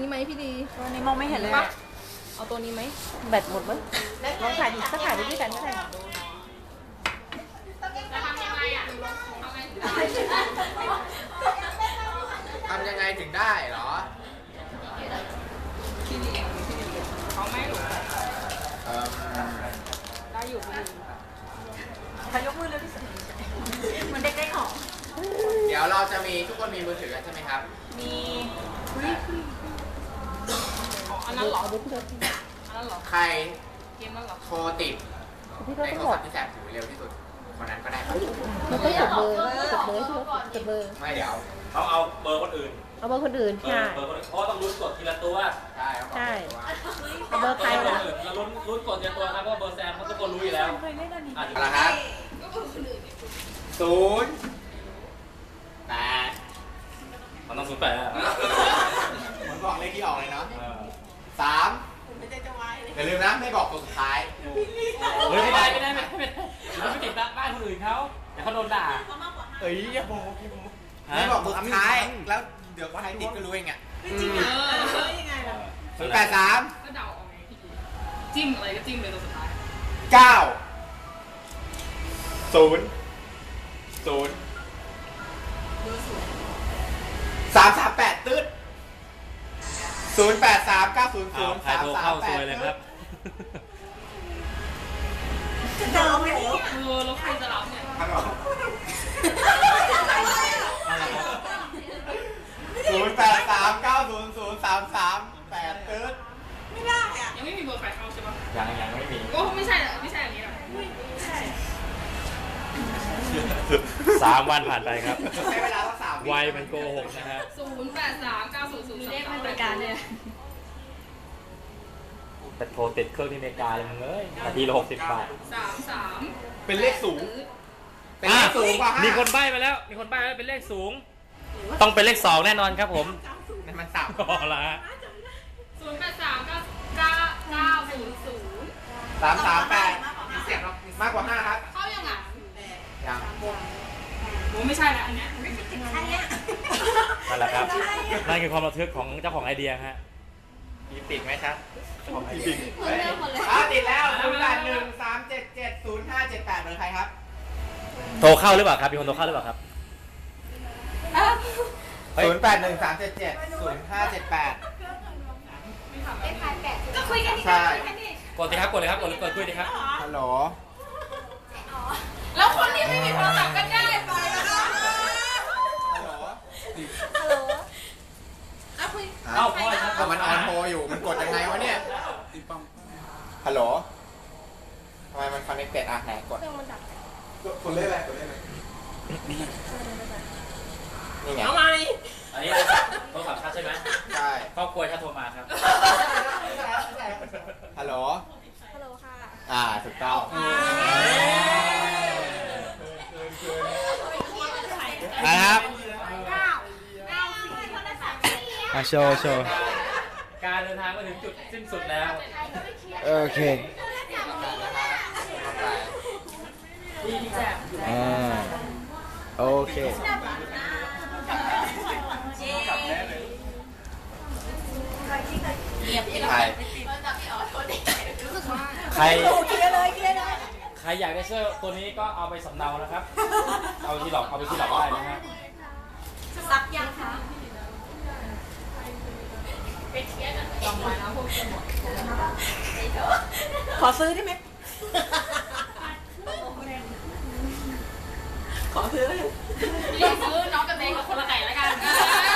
นี้ไหมพี่ดีตัวนี้มองไม่เห็นเลยปะเอาตัวนี้ไหมแบตหมดมั้งลองถ่ายดิถ้าถ่ายไปด้วยกันก็ได้ทำยังไงถึงได้เหรอได้อยู่พี่ดีขยกมือเลยพี่สุเหมือนเด็กได้ของเดี๋ยวเราจะมีทุกคนมีมือถือกันใช่ไหมครับมีอันนั้นเหรอเอาไปพี่เลยอันนั้นเหรอใครเกมนั้นเหรอโทรติดพี่ในก็โทต้องรหมศัดพท์ที่แสบหูเร็วที่สุดคนนั้นก็ได้ครับมันต้องจดเบอร์จดเบอร์พี่จดเบอร์ไม่เดี๋ยวเขาเอาเบอร์คนอื่นเอาเบอร์คนอื่นใช่เบอร์คนอื่นเพราะว่าต้องลุ้นกดทีละตัวใช่ครับใช่ผมเอาเบอร์ใครล่ะเราลุ้นกดทีละตัวครับเพราะว่าเบอร์แซมเขาทุกคนรู้อยู่แล้วอ่ะเอาละครับ0 8 มันต้องศูนย์แปดอ่ะผมบอกเลขที่ออกเลยเนาะ3อย่าลืมนะไม่บอกตัวสุดท้ายเฮ้ยไม่ได้เราไม่ติดบ้านคนอื่นเขาเดี๋ยวเขาโดนด่าเอ้ยอย่าบอกไม่บอกตัวสุดท้ายแล้วเดี๋ยวใครติดก็รู้เองอ่ะ0 8 3 ก็เดาเอาไงพี่ดีจิ้มอะไรก็จิ้มเลยตัวสุดท้าย 9 0 0 338ตืด083 900 ใครโทรเข้าซวยเลยครับแล้วใครจะรับเนี่ยครับผมอะไรครับ 083 900 338ตืดยังไม่มีเบอร์ใครเข้าใช่ปะยังไม่มีก็ไม่ใช่อย่างนี้หรอ 3 วันผ่านไปครับใช้เวลาสัก3 วัยมันโกหกนะฮะ 083 900 เลขไม่เป็นการเลยแต่โทรติดเครื่องที่อเมริกาเลยมึงเอ้ยนาทีละ60 บาท 33 เป็นเลขสูง เป็นเลขสูงกว่า5 มีคนใบ้มาแล้ว เป็นเลขสูง ต้องเป็นเลข 2 แน่นอนครับผมนั่นมันสับพอละฮะ 083 900 338มีเสียงหรอกมากกว่า5ครับเข้ายังอ่ะยังโอ้ไม่ใช่แล้วอันเนี้ยนั่นแหละครับ นั่นคือความระทึกของเจ้าของไอเดียฮะมีติดไหมครับของไอเดียคนเริ่มหมดเลยติดแล้ว081 377 0578เบอร์ใครครับโทรเข้าหรือเปล่าครับ มีคนโทรเข้าหรือเปล่าครับ 081 377 0578 ก็คุยกันใช่กดสิครับ กดเลยครับ กดคุยดิครับฮัลโหลแล้วคนที่ไม่มีโทรศัพท์ก็ได้ไปนะคะฮัลโหลฮัลโหลเอาคุยเอ้าพ่อครับเอามันออนโทรอยู่ มันกดยังไงวะเนี่ย ฮัลโหลทำไมมันคอนเนคเต็ดอ่ะไหนกดคนเล่นอะไรคนเล่นอะไรนี่ไงเอาไหมอันนี้โทรศัพท์ชัดใช่ไหมใช่ครอบครัวชัดโทรมาครับฮัลโหลฮัลโหลค่ะถูกต้องนะครับโชว์การเดินทางมาถึงจุดสิ้นสุดแล้วโอเคโอเค ใครใครเคลียร์เลยใครอยากได้เสื้อตัวนี้ก็เอาไปสำเนานะครับ เอาไปที่หลอกได้นะฮะซักยังคะ ขอซื้อได้ไหมพี่ซื้อน้องกับเด็กคนละไก่แล้วกัน